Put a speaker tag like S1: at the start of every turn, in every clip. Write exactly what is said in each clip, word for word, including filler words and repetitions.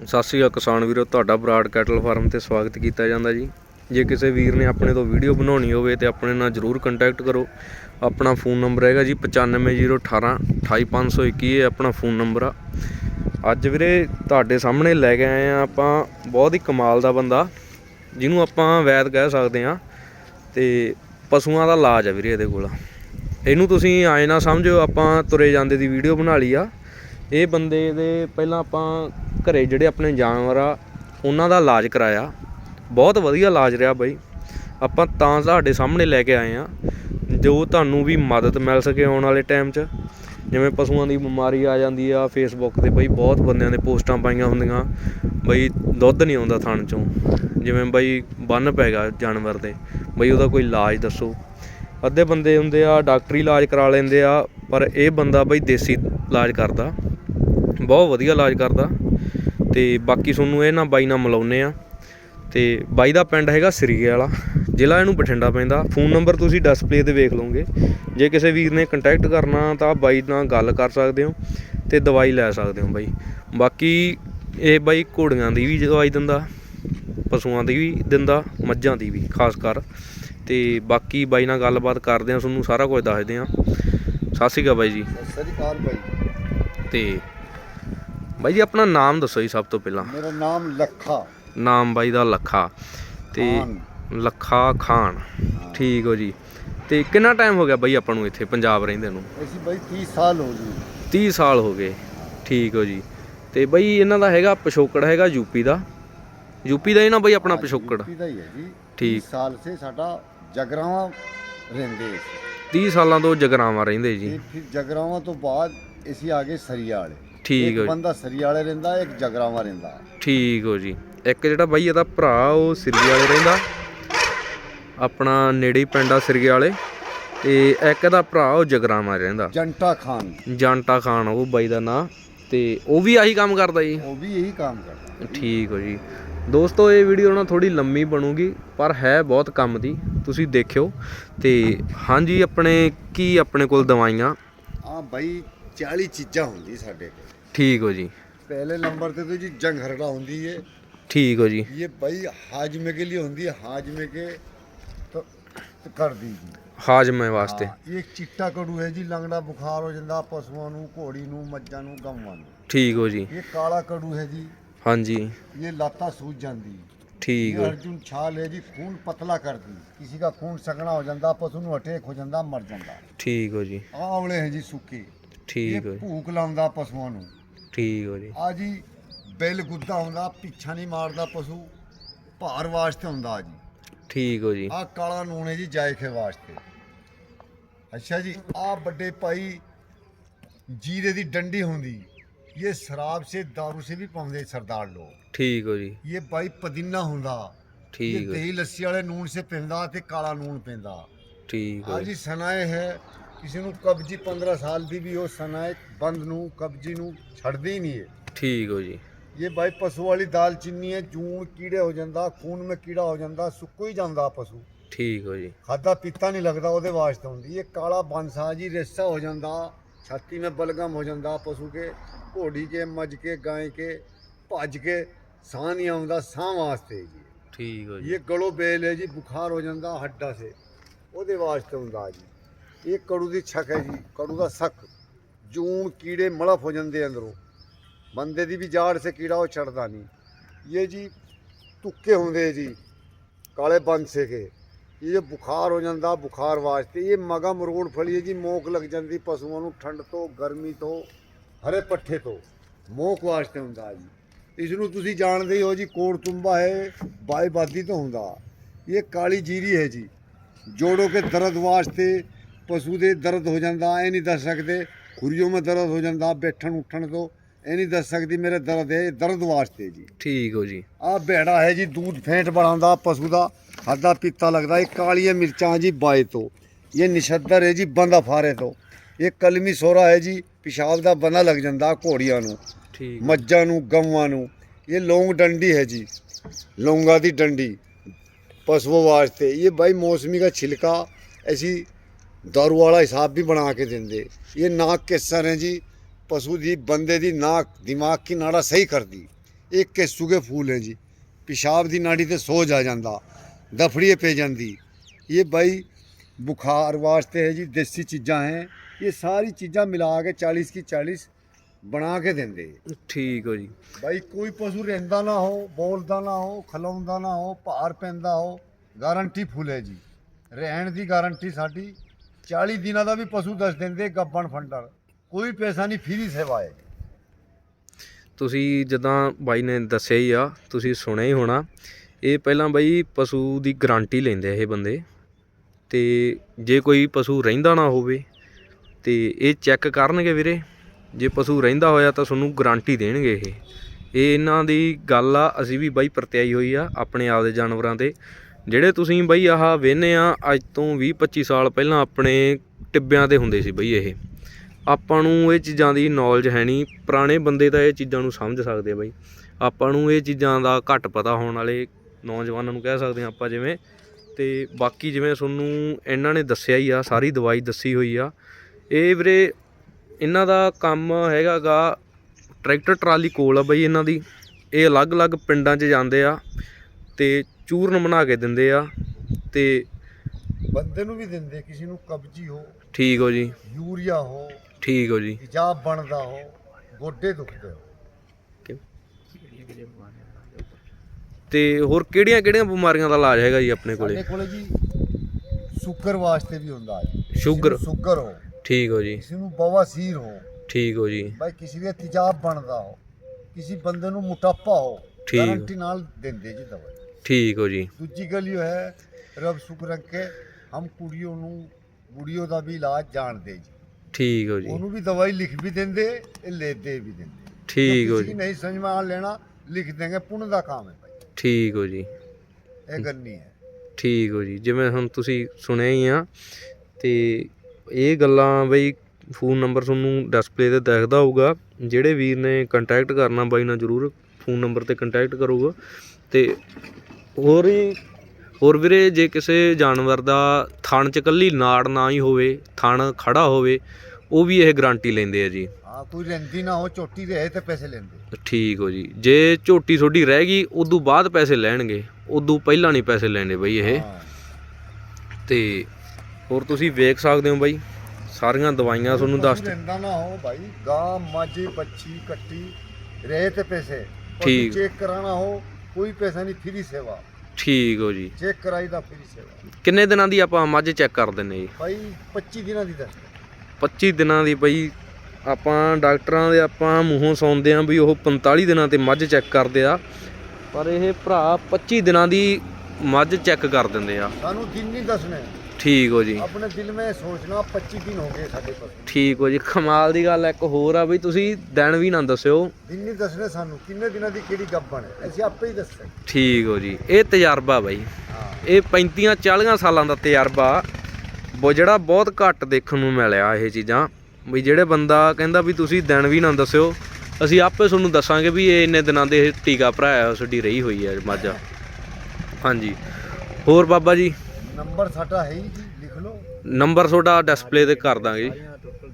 S1: ਸਤਿ ਸ਼੍ਰੀ ਅਕਾਲ ਕਿਸਾਨ ਵੀਰੋ, ਤੁਹਾਡਾ ਬਰਾੜ ਕੈਟਲ ਫਾਰਮ ਤੇ ਸਵਾਗਤ ਕੀਤਾ ਜਾਂਦਾ ਜੀ। ਜੇ ਕਿਸੇ ਵੀਰ ਨੇ ਆਪਣੇ ਤੋਂ ਵੀਡੀਓ ਬਣਾਉਣੀ ਹੋਵੇ ਤੇ ਆਪਣੇ ਨਾਲ ਜ਼ਰੂਰ ਕੰਟੈਕਟ ਕਰੋ। ਆਪਣਾ फ़ोन ਨੰਬਰ ਹੈਗਾ ਜੀ ਪਚਾਨਵੇਂ ਜ਼ੀਰੋ ਅਠਾਰਾਂ ਅਠਾਈ ਪੰਜ ਸੌ ਇੱਕੀ, ਇਹ ਆਪਣਾ फ़ोन ਨੰਬਰ ਆ। ਅੱਜ ਵੀਰੇ ਤੁਹਾਡੇ ਸਾਹਮਣੇ ਲੈ ਕੇ ਆਏ ਆ ਆਪਾਂ ਬਹੁਤ ਹੀ ਕਮਾਲ ਦਾ ਬੰਦਾ, ਜਿਹਨੂੰ ਆਪਾਂ ਵੈਦ ਕਹਿ ਸਕਦੇ ਹਾਂ, ਤੇ ਪਸ਼ੂਆਂ ਦਾ ਇਲਾਜ ਆ ਵੀਰੇ ਇਹਦੇ ਕੋਲ। ਇਹਨੂੰ ਤੁਸੀਂ ਆਏ ਨਾ ਸਮਝੋ ਆਪਾਂ ਤੁਰੇ ਜਾਂਦੇ ਦੀ ਵੀਡੀਓ ਬਣਾ ਲਈ ਆ। ਇਹ ਬੰਦੇ ਦੇ ਪਹਿਲਾਂ ਆਪਾਂ ਘਰੇ ਜਿਹੜੇ ਆਪਣੇ ਜਾਨਵਰ ਆ ਉਹਨਾਂ ਦਾ ਇਲਾਜ ਕਰਾਇਆ, ਬਹੁਤ ਵਧੀਆ ਇਲਾਜ ਰਿਹਾ ਬਾਈ। ਆਪਾਂ ਤਾਂ ਤੁਹਾਡੇ ਸਾਹਮਣੇ ਲੈ ਕੇ ਆਏ ਆ ਜੋ ਤੁਹਾਨੂੰ ਵੀ ਮਦਦ ਮਿਲ ਸਕੇ ਆਉਣ ਵਾਲੇ ਟਾਈਮ 'ਚ। ਜਿਵੇਂ ਪਸ਼ੂਆਂ ਦੀ ਬਿਮਾਰੀ ਆ ਜਾਂਦੀ ਆ, ਫੇਸਬੁੱਕ 'ਤੇ ਬਈ ਬਹੁਤ ਬੰਦਿਆਂ ਦੇ ਪੋਸਟਾਂ ਪਾਈਆਂ ਹੁੰਦੀਆਂ ਬਈ ਦੁੱਧ ਨਹੀਂ ਆਉਂਦਾ ਥਣ 'ਚੋਂ, ਜਿਵੇਂ ਬਈ ਬੰਨ ਪੈ ਗਿਆ ਜਾਨਵਰ ਦੇ, ਬਈ ਉਹਦਾ ਕੋਈ ਇਲਾਜ ਦੱਸੋ। ਅੱਧੇ ਬੰਦੇ ਹੁੰਦੇ ਆ ਡਾਕਟਰੀ ਇਲਾਜ ਕਰਾ ਲੈਂਦੇ ਆ, ਪਰ ਇਹ ਬੰਦਾ ਬਈ ਦੇਸੀ ਇਲਾਜ ਕਰਦਾ, ਬਹੁਤ ਵਧੀਆ ਇਲਾਜ ਕਰਦਾ। ਤੇ ਬਾਕੀ ਤੁਹਾਨੂੰ ਇਹ ਨਾ ਬਾਈ ਨਾਲ ਮਿਲਾਉਂਦੇ ਆ। ਤੇ ਬਾਈ ਦਾ ਪਿੰਡ ਹੈਗਾ ਸਰੀਏ ਵਾਲਾ, ਜ਼ਿਲ੍ਹਾ ਇਹਨੂੰ ਬਠਿੰਡਾ ਪੈਂਦਾ। ਫ਼ੋਨ ਨੰਬਰ ਤੁਸੀਂ ਡਿਸਪਲੇ 'ਤੇ ਵੇਖ ਲਓਗੇ। ਜੇ ਕਿਸੇ ਵੀਰ ਨੇ ਕੰਟੈਕਟ ਕਰਨਾ ਤਾਂ ਬਾਈ ਨਾਲ ਗੱਲ ਕਰ ਸਕਦੇ ਹੋ ਤੇ ਦਵਾਈ ਲੈ ਸਕਦੇ ਹੋ ਬਾਈ। ਬਾਕੀ ਇਹ ਬਾਈ ਘੋੜੀਆਂ ਦੀ ਵੀ ਦਵਾਈ ਦਿੰਦਾ, ਪਸ਼ੂਆਂ ਦੀ ਵੀ ਦਿੰਦਾ, ਮੱਝਾਂ ਦੀ ਵੀ ਖਾਸ ਕਰ। ਤੇ ਬਾਕੀ ਬਾਈ ਨਾਲ ਗੱਲਬਾਤ ਕਰਦੇ ਹਾਂ, ਤੁਹਾਨੂੰ ਸਾਰਾ ਕੁਝ ਦੱਸਦੇ ਹਾਂ। ਸਤਿ ਸ਼੍ਰੀ ਅਕਾਲ ਬਾਈ ਜੀ।
S2: ਸਤਿ ਸ਼੍ਰੀ ਅਕਾਲ ਬਾਈ।
S1: ਤੇ ਬਾਈ ਜੀ ਆਪਣਾ ਨਾਮ ਦੱਸੋ ਜੀ ਸਭ ਤੋਂ ਪਹਿਲਾਂ।
S2: ਮੇਰਾ ਨਾਮ ਲੱਖਾ।
S1: ਨਾਮ ਬਾਈ ਦਾ ਲੱਖਾ ਤੇ ਲੱਖਾ ਖਾਨ, ਠੀਕ ਹੋ ਜੀ। ਤੇ ਕਿੰਨਾ ਟਾਈਮ ਹੋ ਗਿਆ ਬਾਈ ਆਪਾਂ ਨੂੰ ਇੱਥੇ ਪੰਜਾਬ ਰਹਿੰਦੇ ਨੂੰ?
S2: ਅਸੀਂ ਬਾਈ ਤੀਹ ਸਾਲ ਹੋ ਗਏ।
S1: ਤੀਹ ਸਾਲ ਹੋ ਗਏ, ਠੀਕ ਹੋ ਜੀ। ਤੇ ਬਾਈ ਇਹਨਾਂ ਦਾ ਹੈਗਾ ਪਿਛੋਕੜ ਹੈਗਾ ਯੂਪੀ ਦਾ, ਯੂਪੀ ਦਾ ਹੀ ਨਾ ਬਾਈ ਆਪਣਾ ਪਿਛੋਕੜ?
S2: ਯੂਪੀ ਦਾ ਹੀ ਹੈ ਜੀ।
S1: ਠੀਕ।
S2: ਸਾਲ ਸੇ ਸਾਡਾ ਜਗਰਾਵਾਂ ਰਹਿੰਦੇ ਸੀ।
S1: ਤੀਹ ਸਾਲਾਂ ਤੋਂ ਜਗਰਾਵਾਂ ਰਹਿੰਦੇ ਜੀ।
S2: ਫਿਰ ਜਗਰਾਵਾਂ ਤੋਂ ਬਾਅਦ ਅਸੀਂ ਆ ਗਏ ਸਰੀਆ ਵਾਲੇ।
S1: ਠੀਕ ਹੋ
S2: ਇੱਕ
S1: ਜੀ।
S2: ਬੰਦਾ ਸਰੀਆ ਵਾਲੇ ਰਹਿੰਦਾ, ਇੱਕ ਜਗਰਾਵਾਂ ਰਹਿੰਦਾ।
S1: ਠੀਕ ਹੋ ਜੀ। ਇੱਕ ਜਿਹੜਾ ਬਾਈ ਇਹਦਾ ਭਰਾ ਉਹ ਸਿਰਗੇ ਵਾਲੇ ਰਹਿੰਦਾ, ਆਪਣਾ ਨੇੜੇ ਹੀ ਪਿੰਡ ਆ ਸਿਰਗੇ ਵਾਲੇ। ਤੇ ਇੱਕ ਇਹਦਾ ਭਰਾ ਉਹ ਜਗਰਾਵਾਂ ਰਹਿੰਦਾ,
S2: ਜੰਟਾ ਖਾਨ।
S1: ਜੰਟਾ ਖਾਨ ਉਹ ਬਾਈ ਦਾ ਨਾਂ। ਤੇ ਉਹ ਵੀ ਆਹੀ ਕੰਮ ਕਰਦਾ ਜੀ?
S2: ਉਹ ਵੀ ਇਹੀ ਕੰਮ ਕਰਦਾ।
S1: ਠੀਕ ਹੋ ਜੀ। ਦੋਸਤੋ ਇਹ ਵੀਡੀਓ ਨਾ ਥੋੜੀ ਲੰਮੀ ਬਣੂਗੀ, ਪਰ ਹੈ ਬਹੁਤ ਕੰਮ ਦੀ, ਤੁਸੀਂ ਦੇਖਿਓ। ਤੇ ਹਾਂਜੀ, ਆਪਣੇ ਕੀ ਆਪਣੇ ਕੋਲ ਦਵਾਈਆਂ?
S2: ਹਾਂ ਬਾਈ, ਚਾਲੀ ਚੀਜ਼ਾਂ ਹੁੰਦੀ ਸਾਡੇ ਕੋਲ।
S1: ਠੀਕ ਹੋ ਜੀ।
S2: पहले नंबर पे तो जी जंघरड़ा होती है।
S1: ठीक हो जी।
S2: ये भाई हाजमे के लिए होती है, हाजमे के तो, तो कर दीजिए
S1: हाजमे वास्ते।
S2: हाँ, एक चिट्टा कड़ू है जी, लंगड़ा बुखार हो जाता पशुओं नू, घोड़ी नू, मज्झां नू, गवां नू।
S1: ठीक हो जी।
S2: ये काला कड़ू है जी।
S1: हाँ जी।
S2: ये लाता सूज जाती।
S1: ठीक
S2: ये
S1: हो।
S2: अर्जुन छाल है जी, खून पतला कर दी, किसी का खून सगना हो जाता, पशु नू अटैक हो जाता, मर जाता।
S1: ठीक हो जी।
S2: आंवले हैं जी सूखे।
S1: ठीक हो।
S2: भूख लाउंदा पशुओं नू।
S1: ठीक हो जी।
S2: आ जी बिल गुद्दा होंदा, पिछा नहीं मारदा पशु, भार वास्ते होंदा जी।
S1: ठीक हो जी।
S2: आ काला नून है जी जायखे वास्ते। अच्छा जी, आ बड़े भाई जीरे दी डंडी होंदी, ये शराब से दारू से भी पाउंदे सरदार लोग।
S1: ठीक हो जी।
S2: ये भाई पुदीना होंदा,
S1: ठीक
S2: ये
S1: हो।
S2: दही लस्सी वाले नून से पिंदा ते काला नून पिंदा।
S1: ठीक हो
S2: आ जी सनाए है, किसी नू कब्जी पंद्रह साल दी भी हो, सनाए बंद नू कब्जी नू छड़दी नहीं है।
S1: ठीक हो जी।
S2: ये भाई पशु वाली दाल चीनी है, जून कीड़े हो जाता, खून में कीड़ा हो जाता, सुक्को ही जाता पशु।
S1: ठीक हो जी।
S2: खादा पीता नहीं लगता, वो वास्ते होंगी। ये काला बांसा जी, रेसा हो जाता, छाती में बलगम हो जाता पशु के, घोड़ी के, मझ के, गाय के, भज के साह नहीं आता, साह वास्ते जी।
S1: ठीक हो जी।
S2: ये गलो बेल है जी, बुखार हो जाता हड्डा से, वो वास्ते होंदा जी। ये कड़ू दी छक है जी, कड़ू का सक, जून कीड़े मड़फ हो जाते अंदरों, बंदे दी भी जाड़ से कीड़ा वो चढ़ता नहीं। ये जी तुक्के होंगे जी काले बंसे के, ये जो बुखार हो जाता, बुखार वास्ते। ये मगा मरोड़ फली है जी, मोक लग जाती पशुओं को, ठंड तो, गर्मी तो, हरे पट्ठे तो, मोक वास्ते होंदा जी। इसनू तुसी जानते ही हो जी, कोड़ तुम्बा है, बाई बादी तो होंदा। ये काली जीरी है जी, जोड़ों के दर्द वास्ते, पशु दे दर्द हो जाता, ये नहीं दस सकते, खुरियों में दर्द हो जाता, बैठन उठन तो ये नहीं दस सकती मेरे दर्द है, दर्द वास्ते जी। ठीक हो जी। आ भेड़ा है जी, दूध फेंट बढ़ाता पशु का, खादा पीता लगता। ये कालिया मिर्चा जी बाए तो, ये निशद्दर है जी बंदा फारे तो, ये कलमी सोरा है जी, पेशाब का बंदा लग जाता घोड़ियां नू, मज्झां नू, गवां नू। ये लौंग डंडी है जी, लौंगा दी डंडी पशुओं वास्ते। ये भाई मौसमी का छिलका ऐसी दारू वाला हिसाब भी बना के देंगे। ये नाक के सर हैं जी, पशु दी बंदे दी नाक दिमाग की नाड़ा सही कर दी। ਇਹ ਕੇਸੂਗੇ ਫੂਲ ਹੈ ਜੀ। ਪਿਸ਼ਾਬ ਦੀ ਨਾੜੀ ਤੇ ਸੋਜ ਆ ਜਾਂਦਾ, ਦਫੜੀਏ ਪੈ ਜਾਂਦੀ। ਇਹ ਬਾਈ ਬੁਖਾਰ ਵਾਸਤੇ ਹੈ ਜੀ, ਦੇਸੀ ਚੀਜ਼ਾਂ ਹੈ। ਇਹ ਸਾਰੀ ਚੀਜ਼ਾਂ ਮਿਲਾ ਕੇ ਚਾलीस की चालीस ਬਣਾ ਕੇ ਦਿੰਦੇ।
S1: ਠੀਕ ਹੋ ਜੀ।
S2: ਬਾਈ ਕੋਈ ਪਸ਼ੂ ਰਹਿੰਦਾ ਨਾ ਹੋ, ਬੋਲਦਾ ਨਾ ਹੋ, ਖਲਾਉਂਦਾ ਨਾ ਹੋ, ਭਾਰ ਪੈਂਦਾ ਹੋ, ਗਾਰੰਟੀ ਫੁੱਲ ਹੈ ਜੀ। ਰਹਿਣ ਦੀ ਗਾਰੰਟੀ ਸਾਡੀ। ਚਾਲੀ ਦਿਨਾਂ ਦਾ ਵੀ ਪਸ਼ੂ ਦੱਸ ਦਿੰਦੇ ਗੱਬਣ ਫੰਡਰ, ਕੋਈ ਪੈਸਾ ਨਹੀਂ, ਫ੍ਰੀ ਸੇਵਾ ਹੈ।
S1: ਤੁਸੀਂ ਜਿੱਦਾਂ ਬਾਈ ਨੇ ਦੱਸਿਆ ਹੀ ਆ, ਤੁਸੀਂ ਸੁਣਿਆ ਹੀ ਹੋਣਾ, ਇਹ ਪਹਿਲਾਂ ਬਾਈ ਪਸ਼ੂ ਦੀ ਗਾਰੰਟੀ ਲੈਂਦੇ ਇਹ ਬੰਦੇ। ਤੇ ਜੇ ਕੋਈ ਪਸ਼ੂ ਰਹਿੰਦਾ ਨਾ ਹੋਵੇ ਤੇ ਇਹ ਚੈੱਕ ਕਰਨਗੇ ਵੀਰੇ। ਜੇ ਪਸ਼ੂ ਰਹਿੰਦਾ ਹੋਇਆ ਤਾਂ ਤੁਹਾਨੂੰ ਗਾਰੰਟੀ ਦੇਣਗੇ। ਇਹ ਇਹ ਇਹਨਾਂ ਦੀ ਗੱਲ ਆ, ਅਸੀਂ ਵੀ ਬਾਈ ਪਰਤਿਆਈ ਹੋਈ ਆ ਆਪਣੇ ਆਪਦੇ ਜਾਨਵਰਾਂ ਤੇ। ਜਿਹੜੇ ਤੁਸੀਂ ਬਾਈ ਆਹ ਵੇਖਦੇ ਆ, ਅੱਜ ਤੋਂ ਵੀਹ ਪੱਚੀ ਸਾਲ ਪਹਿਲਾਂ ਆਪਣੇ ਟਿੱਬਿਆਂ ਤੇ ਹੁੰਦੇ ਸੀ ਬਾਈ ਇਹ। ਆਪਾਂ ਨੂੰ ਇਹ ਚੀਜ਼ਾਂ ਦੀ ਨੌਲੇਜ ਹੈ ਨਹੀਂ। ਪੁਰਾਣੇ ਬੰਦੇ ਤਾਂ ਇਹ ਚੀਜ਼ਾਂ ਨੂੰ ਸਮਝ ਸਕਦੇ ਆ ਬਾਈ। ਆਪਾਂ ਨੂੰ ਇਹ ਚੀਜ਼ਾਂ ਦਾ ਘੱਟ ਪਤਾ ਹੋਣ ਵਾਲੇ ਨੌਜਵਾਨਾਂ ਨੂੰ ਕਹਿ ਸਕਦੇ ਹਾਂ ਆਪਾਂ ਜਿਵੇਂ। ਤੇ ਬਾਕੀ ਜਿਵੇਂ ਤੁਹਾਨੂੰ ਇਹਨਾਂ ਨੇ ਦੱਸਿਆ ਹੀ ਆ, ਸਾਰੀ ਦਵਾਈ ਦੱਸੀ ਹੋਈ ਆ। ਇਹ ਵੀਰੇ ਇਹਨਾਂ ਦਾ ਕੰਮ ਹੈਗਾ ਗਾ, ਟਰੈਕਟਰ ਟਰਾਲੀ ਕੋਲ ਆ ਬਾਈ ਇਹਨਾਂ ਦੀ। ਇਹ ਅਲੱਗ-ਅਲੱਗ ਪਿੰਡਾਂ 'ਚ ਜਾਂਦੇ ਆ ਤੇ ਚੂਰਨ ਬਣਾ ਕੇ ਦਿੰਦੇ ਆ ਤੇ
S2: ਬੰਦੇ ਨੂੰ ਵੀ ਦਿੰਦੇ, ਕਿਸੇ ਨੂੰ ਕਬਜੀ ਹੋ,
S1: ਠੀਕ ਹੋ ਜੀ,
S2: ਯੂਰੀਆ ਹੋ,
S1: ਠੀਕ ਹੋ ਜੀ,
S2: ਤੇਜ਼ਾਬ ਬਣਦਾ ਹੋ, ਗੋਡੇ ਦੁਖਦੇ ਹੋ।
S1: ਤੇ ਹੋਰ ਕਿਹੜੀਆਂ ਕਿਹੜੀਆਂ ਬਿਮਾਰੀਆਂ ਦਾ ਇਲਾਜ ਹੈਗਾ ਜੀ ਆਪਣੇ ਕੋਲੇ?
S2: ਸਾਡੇ ਕੋਲੇ ਜੀ ਸ਼ੂਗਰ ਵਾਸਤੇ ਵੀ ਹੁੰਦਾ ਜੀ।
S1: ਸ਼ੂਗਰ,
S2: ਸ਼ੂਗਰ ਹੋ,
S1: ਠੀਕ ਹੋ ਜੀ,
S2: ਕਿਸੇ ਨੂੰ ਬਵਾਸੀਰ ਹੋ,
S1: ਠੀਕ ਹੋ ਜੀ,
S2: ਬਾਈ ਕਿਸੇ ਦੇ ਤੇਜ਼ਾਬ ਬਣਦਾ ਹੋ, ਕਿਸੇ ਬੰਦੇ ਨੂੰ ਮੋਟਾਪਾ ਹੋ,
S1: ਠੀਕ।
S2: ਗਾਰੰਟੀ ਨਾਲ ਦਿੰਦੇ ਜੀ ਦਵਾਈ।
S1: ਠੀਕ ਹੋ ਜੀ।
S2: ਦੂਜੀ ਗੱਲ ਇਹ ਹੈ, ਰੱਬ ਸ਼ੁਕਰ ਰੱਖੇ, ਹਮ ਕੁੜੀਆਂ ਨੂੰ ਬੁੜੀਆਂ ਦਾ ਵੀ ਇਲਾਜ ਜਾਣਦੇ ਜੀ।
S1: ਠੀਕ ਹੋ ਜੀ।
S2: ਉਹਨੂੰ ਵੀ ਦਵਾਈ ਲਿਖ ਵੀ ਦਿੰਦੇ, ਇਹ ਲੈਦੇ ਵੀ ਦਿੰਦੇ।
S1: ਠੀਕ ਹੋ ਜੀ।
S2: ਨਹੀਂ ਸਮਝ में लेना लिख देंगे, पुण्य ਦਾ ਕੰਮ ਹੈ ਭਾਈ।
S1: ਠੀਕ ਹੋ ਜੀ।
S2: ਇਹ ਗੱਲ ਨਹੀਂ ਹੈ।
S1: ਠੀਕ ਹੋ ਜੀ। ਜਿਵੇਂ ਹੁਣ ਤੁਸੀਂ ਸੁਣਿਆ ਹੀ ਆ ਤੇ ਇਹ ਗੱਲਾਂ ਬਈ ਫੋਨ ਨੰਬਰ ਤੁਹਾਨੂੰ ਡਿਸਪਲੇ ਤੇ ਦਿਖਦਾ ਹੋਊਗਾ। ਜਿਹੜੇ ਵੀਰ ਨੇ ਕੰਟੈਕਟ ਕਰਨਾ ਬਾਈ ਨਾਲ ਜ਼ਰੂਰ ਫੋਨ ਨੰਬਰ ਤੇ ਕੰਟੈਕਟ ਕਰੂਗਾ। ਤੇ ਹੋਰ ਹੀ ਹੋਰ ਵੀਰੇ, ਜੇ ਕਿਸੇ ਜਾਨਵਰ ਦਾ ਥਣ 'ਚ ਇਕੱਲੀ ਨਾੜ ਨਾ ਹੀ ਹੋਵੇ, ਥਣ ਖੜਾ ਹੋਵੇ, ਉਹ ਵੀ ਇਹ ਗਾਰੰਟੀ ਲੈਂਦੇ ਆ ਜੀ।
S2: ਹਾਂ, ਕੋਈ ਰਹਿੰਦੀ ਨਾ ਹੋ, ਝੋਟੀ ਰਹੇ ਤੇ ਪੈਸੇ ਲੈਂਦੇ।
S1: ਠੀਕ ਹੋ ਜੀ। ਜੇ ਝੋਟੀ ਤੁਹਾਡੀ ਰਹਿ ਗਈ ਉਦੋਂ ਬਾਅਦ ਪੈਸੇ ਲੈਣਗੇ, ਉਦੋਂ ਪਹਿਲਾਂ ਨਹੀਂ ਪੈਸੇ ਲੈਣੇ ਬਾਈ ਇਹ। ਤੇ ਹੋਰ ਤੁਸੀਂ ਵੇਖ ਸਕਦੇ ਹੋ ਬਾਈ, ਸਾਰੀਆਂ ਦਵਾਈਆਂ ਤੁਹਾਨੂੰ ਦੱਸ।
S2: ਰਹਿੰਦਾ ਨਾ ਹੋ ਭਾਈ, ਗਾਂ ਮੱਝ ਬੱਚੀ ਕੱਟੀ ਰਹੇ ਤੇ ਪੈਸੇ।
S1: ਠੀਕ।
S2: ਚੈੱਕ ਕਰਾਣਾ ਹੋ, ਕੋਈ ਪੈਸਾ ਨਹੀਂ, ਫ੍ਰੀ ਸੇਵਾ।
S1: ਠੀਕ ਹੋ ਜੀ।
S2: ਚੈੱਕ ਕਰਾਈ ਦਾ ਫ੍ਰੀ ਸੇਵਾ।
S1: ਕਿੰਨੇ ਦਿਨਾਂ ਦੀ ਆਪਾਂ ਮੱਝ ਚੈੱਕ ਕਰ ਦਿੰਨੇ ਜੀ?
S2: ਭਾਈ ਪੱਚੀ ਦਿਨਾਂ ਦੀ ਦੱਸ।
S1: ਪੱਚੀ ਦਿਨਾਂ ਦੀ ਬਾਈ। ਆਪਾਂ ਡਾਕਟਰਾਂ ਦੇ ਆਪਾਂ ਮੂੰਹੋਂ ਸੁਣਦੇ ਆਂ ਵੀ ਉਹ ਪੰਤਾਲੀ ਦਿਨਾਂ ਤੇ ਮੱਝ ਚੈੱਕ ਕਰਦੇ ਆ, ਪਰ ਇਹ ਭਰਾ ਪੱਚੀ ਦਿਨਾਂ ਦੀ ਮੱਝ ਚੈੱਕ ਕਰ ਦਿੰਦੇ ਆ।
S2: ਸਾਨੂੰ ਦਿਨ ਨਹੀਂ ਦੱਸਣੇ।
S1: ਠੀਕ ਹੋ ਜੀ।
S2: ਆਪਣੇ ਦਿਲ में सोचना पच्चीस दिन हो गए ਸਾਡੇ ਕੋਲ।
S1: ਠੀਕ ਹੋ ਜੀ। ਕਮਾਲ ਦੀ ਗੱਲ ਇੱਕ ਹੋਰ ਆ ਬਈ, ਤੁਸੀਂ ਦਿਨ ਵੀ ਨਾ ਦੱਸਿਓ।
S2: ਦਿਨ ਨਹੀਂ ਦੱਸਣੇ ਸਾਨੂੰ, ਕਿੰਨੇ ਦਿਨਾਂ ਦੀ ਕਿਹੜੀ ਗੱਬਣ ਹੈ, ਅਸੀਂ ਆਪੇ ਹੀ ਦੱਸਾਂਗੇ।
S1: ਠੀਕ ਹੋ ਜੀ। ਇਹ ਤਜਰਬਾ ਬਾਈ,
S2: ਹਾਂ,
S1: ਇਹ ਪੈਂਤੀਆਂ ਚਾਲੀਆਂ ਸਾਲਾਂ ਦਾ ਤਜਰਬਾ, ਉਹ ਜਿਹੜਾ ਬਹੁਤ ਘੱਟ ਦੇਖਣ ਨੂੰ ਮਿਲਿਆ ਇਹ ਚੀਜ਼ਾਂ। ਵੀ ਜਿਹੜੇ ਬੰਦਾ ਕਹਿੰਦਾ ਵੀ ਤੁਸੀਂ ਦਿਨ ਵੀ ਨਾ ਦੱਸਿਓ, ਅਸੀਂ ਆਪੇ ਤੁਹਾਨੂੰ ਦੱਸਾਂਗੇ ਵੀ ਇਹ ਇੰਨੇ ਦਿਨਾਂ ਦੇ ਇਹ ਟੀਕਾ ਭਰਾਇਆ ਸਾਡੀ ਰਹੀ ਹੋਈ ਹੈ ਮੱਝ। ਹਾਂਜੀ। ਹੋਰ ਬਾਬਾ ਜੀ?
S2: ਨੰਬਰ ਸਾਡਾ ਹੈ ਹੀ ਜੀ, ਲਿਖ ਲਓ।
S1: ਨੰਬਰ ਤੁਹਾਡਾ ਡਿਸਪਲੇ ਤੇ ਕਰ ਦਾਂਗੇ ਜੀ।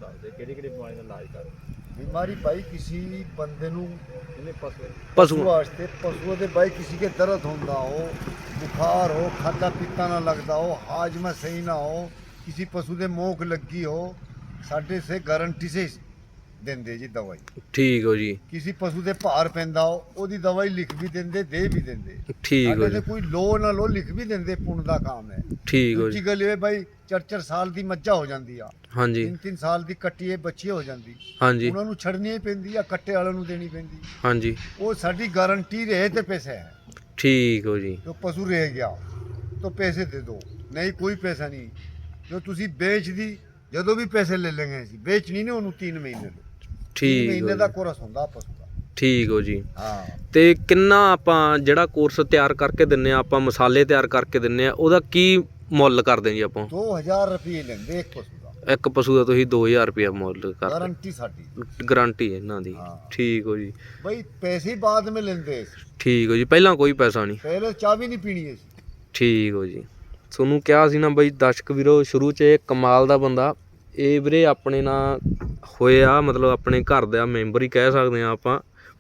S2: ਬਿਮਾਰੀ ਭਾਈ ਕਿਸੇ ਬੰਦੇ ਨੂੰ
S1: ਪਸ਼ੂ
S2: ਵਾਸਤੇ, ਪਸ਼ੂ ਦੇ ਭਾਈ ਕਿਸੇ ਕੇ ਦਰਦ ਹੁੰਦਾ ਹੋ, ਬੁਖਾਰ ਹੋ, ਖਾਦਾ ਪੀਤਾ ਨਾ ਲੱਗਦਾ ਹੋ, ਹਾਜਮਾ ਸਹੀ ਨਾ ਹੋ, ਕਿਸੇ ਪਸ਼ੂ ਦੇ ਮੋਖ ਲੱਗੀ ਹੋ, ਸਾਡੇ ਸੇ ਗਾਰੰਟੀ ਸੇ ਦਿੰਦੇ ਜੀ ਦਵਾਈ।
S1: ਠੀਕ ਹੋ ਜੀ।
S2: ਕਿਸੇ ਪਸ਼ੂ ਦੇ ਭਾਰ ਪੈਂਦਾ ਹੋ, ਉਹਦੀ ਦਵਾਈ ਲਿਖ ਵੀ ਦਿੰਦੇ, ਦੇ ਵੀ ਦਿੰਦੇ।
S1: ਠੀਕ ਹੋ
S2: ਸਾਡੇ
S1: ਜੀ।
S2: ਤੇ ਕੋਈ ਲੋ ਨਾ ਲੋ, ਲਿਖ ਵੀ ਦਿੰਦੇ, ਪੁੰਨ ਦਾ ਕੰਮ ਹੈ।
S1: ਠੀਕ ਹੋ ਜੀ।
S2: ਦੂਜੀ ਗੱਲ ਇਹ ਭਾਈ, ਚਾਰ ਚਾਰ ਸਾਲ ਦੀ ਮੱਝਾਂ ਹੋ ਜਾਂਦੀ ਆ,
S1: ਹਾਂਜੀ
S2: ਤਿੰਨ ਤਿੰਨ ਸਾਲ ਦੀ ਕੱਟੀ ਬੱਚੀ ਹੋ ਜਾਂਦੀ,
S1: ਹਾਂਜੀ
S2: ਉਹਨਾਂ ਨੂੰ ਛੱਡਣੀ ਹੀ ਪੈਂਦੀ ਆ, ਕੱਟੇ ਵਾਲਿਆਂ ਨੂੰ ਦੇਣੀ ਪੈਂਦੀ।
S1: ਹਾਂਜੀ।
S2: ਉਹ ਸਾਡੀ ਗਾਰੰਟੀ ਰਹੇ ਤੇ ਪੈਸੇ ਹੈ।
S1: ਠੀਕ ਹੋ ਜੀ।
S2: ਜੋ ਪਸ਼ੂ ਰਹਿ ਗਿਆ तो पैसे दे दो, नहीं कोई पैसा नहीं। जो तुसी बेच दी, ਜਦੋਂ ਵੀ ਪੈਸੇ ਲੈ ਲੈਂਗੇ ਅਸੀਂ, ਵੇਚ ਨਹੀਂ ਨੇ ਉਹਨੂੰ तीन ਮਹੀਨੇ ਲੋ।
S1: ਠੀਕ
S2: ਮਹੀਨੇ ਦਾ ਕੋਰਸ ਹੁੰਦਾ ਪਸ਼ੂ ਦਾ।
S1: ਠੀਕ ਹੋ ਜੀ।
S2: ਹਾਂ।
S1: ਤੇ ਕਿੰਨਾ ਆਪਾਂ ਜਿਹੜਾ ਕੋਰਸ ਤਿਆਰ ਕਰਕੇ ਦਿੰਨੇ ਆ, ਆਪਾਂ ਮਸਾਲੇ ਤਿਆਰ ਕਰਕੇ ਦਿੰਨੇ ਆ, ਉਹਦਾ ਕੀ ਮੁੱਲ ਕਰਦੇ ਜੀ ਆਪਾਂ?
S2: दो हज़ार ਰੁਪਏ ਲੈਂਦੇ ਇੱਕ ਪਸ਼ੂ ਦਾ।
S1: ਇੱਕ ਪਸ਼ੂ ਦਾ ਤੁਸੀਂ ਦੋ ਹਜ਼ਾਰ ਰੁਪਏ ਮੁੱਲ ਕਰਦੇ?
S2: ਗਾਰੰਟੀ ਸਾਡੀ,
S1: ਗਾਰੰਟੀ ਇਹਨਾਂ ਦੀ।
S2: ਹਾਂ।
S1: ਠੀਕ ਹੋ ਜੀ।
S2: ਬਈ ਪੈਸੇ ਬਾਅਦ में ਲੈਂਦੇ।
S1: ਠੀਕ ਹੋ ਜੀ। ਪਹਿਲਾਂ ਕੋਈ ਪੈਸਾ ਨਹੀਂ?
S2: ਪਹਿਲੇ ਚਾਹ ਵੀ ਨਹੀਂ ਪੀਣੀ ਸੀ।
S1: ਠੀਕ ਹੋ ਜੀ। ਤੁਹਾਨੂੰ ਕਿਹਾ ਸੀ ਨਾ ਬਈ ਦਰਸ਼ਕ ਵੀਰੋ, ਸ਼ੁਰੂ 'ਚ ਇਹ ਕਮਾਲ ਦਾ ਬੰਦਾ। ਇਹ ਵੀਰੇ ਆਪਣੇ ਨਾਲ ਹੋਇਆ, ਮਤਲਬ ਆਪਣੇ ਘਰ ਦਾ ਮੈਂਬਰ ਹੀ ਕਹਿ ਸਕਦੇ ਆ ਆਪਾਂ।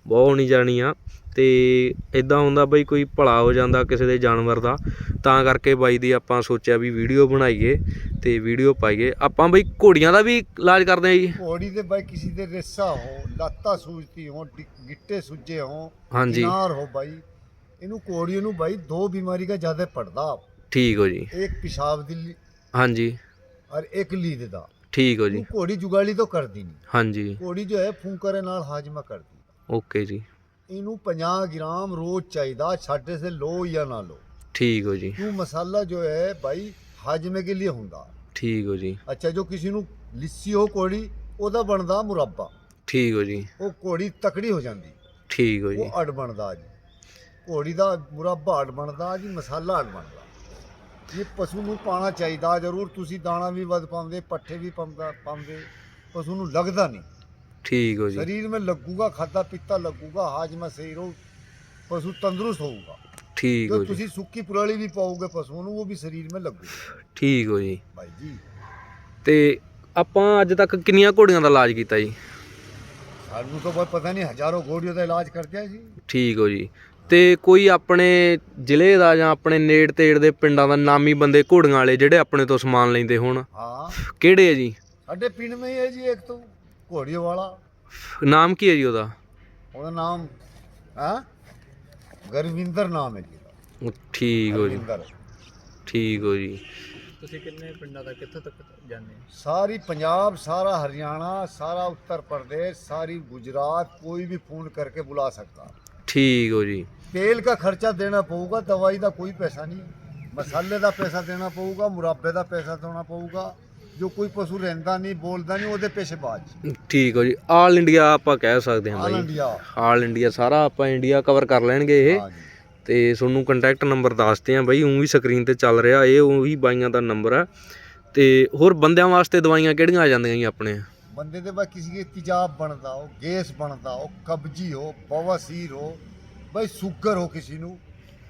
S1: ਬਹੁਤ ਨਹੀਂ ਜਾਣੀ ਆ। ਤੇ ਇਦਾਂ ਹੁੰਦਾ ਬਈ ਕੋਈ ਭਲਾ ਹੋ ਜਾਂਦਾ ਕਿਸੇ ਦੇ ਜਾਨਵਰ ਦਾ, ਤਾਂ ਕਰਕੇ ਬਾਈ ਦੀ ਆਪਾਂ ਸੋਚਿਆ ਵੀ ਵੀਡੀਓ ਬਣਾਈਏ ਤੇ ਵੀਡੀਓ ਪਾਈਏ। ਆਪਾਂ ਬਈ ਘੋੜੀਆਂ ਦਾ ਵੀ ਇਲਾਜ ਕਰਦੇ ਆ ਜੀ।
S2: ਘੋੜੀ ਦੇ ਬਾਈ ਕਿਸੇ ਦੇ ਰੇਸਾ ਹੋ, ਲੱਤਾਂ ਸੂਜਦੀ ਹੋ, ਗਿੱਟੇ ਸੁੱਜੇ ਹੋ,
S1: ਹਾਂਜੀ
S2: ਕਿਨਾਰ ਹੋ ਬਾਈ, ਇਹਨੂੰ ਘੋੜੀ ਨੂੰ ਬਾਈ ਦੋ बीमारी का ज्यादा पड़ता।
S1: ठीक हो जी।
S2: एक पेशाब दी
S1: हाँ जी।
S2: और एक लीद दा।
S1: ठीक हो जी।
S2: घोड़ी जुगाली तो कर दी नहीं।
S1: हाँ जी।
S2: घोड़ी जो है फूंकरे नाल हाजमा कर दी।
S1: ओके जी।
S2: इनू पचास ग्राम रोज चाहिए, छाटे से लो या ना लो।
S1: ठीक हो जी।
S2: क्यों मसाला जो है भाई हाजमे के लिए होंदा।
S1: ठीक हो जी।
S2: अच्छा जो किसी नू लिस्सी हो घोड़ी ओदा बनदा मुरब्बा।
S1: ठीक हो जी।
S2: वो घोड़ी तकड़ी हो जाती।
S1: ठीक हो जी।
S2: वो अड बनदा जी। घोड़ी का मुरब्बा अड बनदा जी, मसाला अड बनदा। ये पशु नू पाना चाहिए जरूर। तुसी दाना भी वध पाਉਂਦੇ, पट्ठे भी पाਉਂਦਾ पाਉਂਦੇ, पशु नू लगदा नहीं।
S1: ठीक हो जी।
S2: शरीर में लगूगा, खादा पीता लगूगा, हाजमा सही रहू, पशु तंदुरुस्त होगा।
S1: ठीक
S2: जो
S1: हो जी।
S2: तुसी सुक्की पुराली भी पाओगे पशु नू, वो भी शरीर में लगूगा।
S1: ठीक हो जी।
S2: भाई जी
S1: ਤੇ ਆਪਾਂ ਅੱਜ ਤੱਕ ਕਿੰਨੀਆਂ ਘੋੜੀਆਂ ਦਾ ਇਲਾਜ ਕੀਤਾ ਜੀ?
S2: ਸਾਨੂੰ तो भाई पता नहीं, हजारों घोड़ियों का इलाज करते हैं जी।
S1: ਠੀਕ ਹੋ ਜੀ। ਤੇ ਕੋਈ ਆਪਣੇ ਜ਼ਿਲ੍ਹੇ ਦਾ ਜਾਂ ਆਪਣੇ ਨੇੜ ਤੇੜ ਦੇ ਪਿੰਡਾਂ ਦਾ ਨਾਮੀ ਬੰਦੇ ਘੋੜੀਆਂ ਵਾਲੇ ਜਿਹੜੇ ਆਪਣੇ ਤੋਂ ਸਮਾਨ ਲੈਂਦੇ ਹੋਣ,
S2: हाँ
S1: ਕਿਹੜੇ ਆ ਜੀ?
S2: साडे पिंड में ही है जी एक तो घोड़ियों वाला।
S1: ਨਾਮ ਕੀ ਹੈ ਜੀ ਉਹਦਾ?
S2: ਉਹਦਾ ਨਾਮ ਹਾਂ ਗੁਰਵਿੰਦਰ ਨਾਮ ਹੈ ਜੀ ਉਹਦਾ।
S1: ਠੀਕ ਹੋ ਜੀ।
S2: ਗੁਰਵਿੰਦਰ।
S1: ਠੀਕ ਹੋ ਜੀ।
S3: ਤੁਸੀਂ ਕਿੰਨੇ ਪਿੰਡਾਂ ਦਾ ਕਿੱਥੋਂ ਤੱਕ ਜਾਂਦੇ ਹੋ?
S2: ਸਾਰੀ ਪੰਜਾਬ, ਸਾਰਾ हरियाणा, सारा उत्तर प्रदेश, सारी गुजरात, कोई भी फोन करके बुला सकता।
S1: ठीक हो जी।
S2: तेल का खर्चा देना पड़ेगा, दवाई का कोई पैसा नहीं, मसाले का पैसा देना पड़ेगा, मुरब्बे का पैसा देना पड़ेगा। जो कोई पशु रहता नहीं, बोलता नहीं, ਉਹਦੇ ਪੈਸੇ ਬਾਅਦ।
S1: ਠੀਕ ਹੋ ਜੀ। ਆਲ ਇੰਡੀਆ ਆਪਾਂ ਕਹਿ ਸਕਦੇ ਹਾਂ
S2: ਆਲ
S1: ਬਾਈ।
S2: ਇੰਡੀਆ।
S1: ਆਲ ਇੰਡੀਆ ਸਾਰਾ ਆਪਾਂ ਇੰਡੀਆ ਕਵਰ ਕਰ ਲੈਣਗੇ ਇਹ।
S2: ਹਾਂ ਜੀ।
S1: ਤੇ ਤੁਹਾਨੂੰ ਕੰਟੈਕਟ ਨੰਬਰ ਦੱਸਦੇ ਆ ਬਾਈ, ਉਹ ਵੀ ਸਕਰੀਨ ਤੇ ਚੱਲ ਰਿਹਾ, ਇਹ ਉਹੀ ਬਾਈਆਂ ਦਾ ਨੰਬਰ ਆ। ਤੇ ਹੋਰ ਬੰਦਿਆਂ ਵਾਸਤੇ ਦਵਾਈਆਂ ਕਿਹੜੀਆਂ ਆ ਜਾਂਦੀਆਂ ਜੀ ਆਪਣੇ?
S2: ਬੰਦੇ ਦੇ ਬਾਅਦ ਕਿਸੇ ਦੇ ਤੇਜ਼ਾਬ ਬਣਦਾ ਹੋ, ਗੈਸ ਬਣਦਾ ਹੋ, ਕਬਜੀ ਹੋ, ਬਵਾਸੀਰ ਹੋ, ਬਈ ਸ਼ੂਗਰ ਹੋ ਕਿਸੇ ਨੂੰ,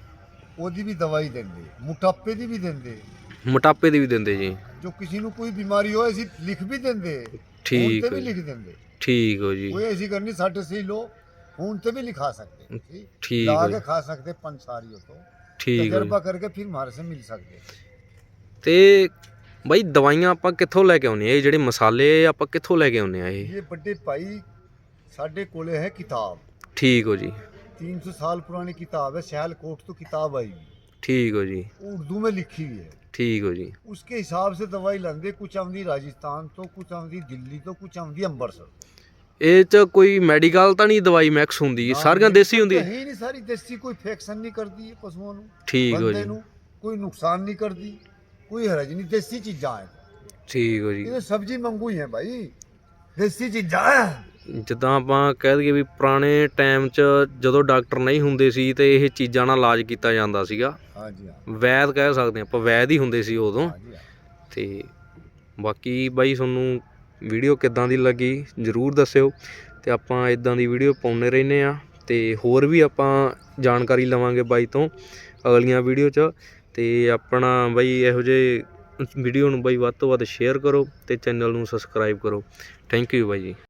S2: ਉਹਦੀ ਵੀ ਦਵਾਈ ਦਿੰਦੇ, ਮੋਟਾਪੇ ਦੀ ਵੀ ਦਿੰਦੇ,
S1: ਮੋਟਾਪੇ ਦੀ ਵੀ ਦਿੰਦੇ ਜੀ।
S2: ਜੋ ਕਿਸੇ ਨੂੰ ਕੋਈ ਬਿਮਾਰੀ ਹੋਏ ਅਸੀਂ ਲਿਖ ਵੀ ਦਿੰਦੇ,
S1: ਠੀਕ
S2: ਫੋਨ ਤੇ
S1: ਹੈ
S2: ਵੀ
S1: ਜੀ।
S2: ਲਿਖ ਦਿੰਦੇ।
S1: ਠੀਕ ਹੋ ਜੀ।
S2: ਕੋਈ ਐਸੀ ਕਰਨੀ ਸਾਡੇ से लो, फोन पे भी लिखा सकते हैं, ठीक?
S1: ठीक
S2: ला
S1: है।
S2: के खा सकते पंसारियों को,
S1: ਠੀਕ ਹੋ ਜੀ।
S2: तजर्बा करके फिर हमारे से मिल सकते।
S1: ਤੇ ਬਾਈ ਦਵਾਈਆਂ ਆਪਾਂ ਕਿੱਥੋਂ ਲੈ ਕੇ ਆਉਂਦੇ ਆ? ਇਹ ਜਿਹੜੇ ਮਸਾਲੇ ਆਪਾਂ ਕਿੱਥੋਂ ਲੈ ਕੇ ਆਉਂਦੇ ਆ ਇਹ?
S2: ये बड़े भाई साढ़े कोले है किताब,
S1: ਠੀਕ ਹੋ ਜੀ।
S2: तीन सौ साल पुरानी किताब है, सियालकोट तो किताब आई हुई,
S1: ਠੀਕ ਹੋ ਜੀ।
S2: उर्दू में लिखी हुई है।
S1: ਠੀਕ ਹੋ ਜੀ।
S2: उसके हिसाब से दवाई लाते, कुछ आमदी राजस्थान तो, कुछ आमदी दिल्ली तो, कुछ आमदी अम्बरसर।
S1: ਇਹ ਚ ਕੋਈ ਮੈਡੀਕਲ ਤਾਂ ਨਹੀਂ ਦਵਾਈ ਮਿਕਸ ਹੁੰਦੀ? ਸਾਰੀਆਂ ਦੇਸੀ ਹੁੰਦੀਆਂ?
S2: है ही नहीं, सारी देसी, कोई फेक्शन नहीं करती है पशुओं ਨੂੰ,
S1: ਠੀਕ ਹੋ
S2: ਬੰਦੇ
S1: ਜੀ।
S2: ਨੂੰ कोई नुकसान नहीं करती, कोई हरज नहीं, देसी चीज़ा है।
S1: ਠੀਕ ਹੋ ਜੀ।
S2: ये सब्जी मंगू ही है भाई, देसी चीज़ा है।
S1: ਜਿੱਦਾਂ ਆਪਾਂ ਕਹਿ ਦਈਏ ਵੀ ਪੁਰਾਣੇ ਟਾਈਮ 'ਚ ਜਦੋਂ ਡਾਕਟਰ ਨਹੀਂ ਹੁੰਦੇ ਸੀ ਤੇ ਇਹ ਚੀਜ਼ਾਂ ਨਾਲ ਇਲਾਜ ਕੀਤਾ ਜਾਂਦਾ ਸੀਗਾ।
S2: हाँ जी हाँ।
S1: ਵੈਦ ਕਹਿ ਸਕਦੇ ਆਪਾਂ, ਵੈਦ ਹੀ ਹੁੰਦੇ ਸੀ ਉਦੋਂ।
S2: हाँ जी हाँ।
S1: ਤੇ ਬਾਕੀ ਬਾਈ ਤੁਹਾਨੂੰ ਵੀਡੀਓ ਕਿੱਦਾਂ ਦੀ ਲੱਗੀ ਜ਼ਰੂਰ ਦੱਸਿਓ। ਤੇ ਆਪਾਂ ਇਦਾਂ ਦੀ ਵੀਡੀਓ ਪਾਉਂਦੇ ਰਹਿੰਦੇ ਆ ਤੇ ਹੋਰ ਵੀ ਆਪਾਂ ਜਾਣਕਾਰੀ ਲਵਾਂਗੇ ਬਾਈ ਤੋਂ ਅਗਲੀਆਂ ਵੀਡੀਓ 'ਚ। ਤੇ ਆਪਣਾ ਬਾਈ ਇਹੋ ਜਿਹੇ ਵੀਡੀਓ ਨੂੰ ਬਾਈ ਵੱਧ ਤੋਂ ਵੱਧ ਸ਼ੇਅਰ ਕਰੋ ਤੇ ਚੈਨਲ ਨੂੰ ਸਬਸਕ੍ਰਾਈਬ ਕਰੋ। ਥੈਂਕ ਯੂ ਬਾਈ ਜੀ।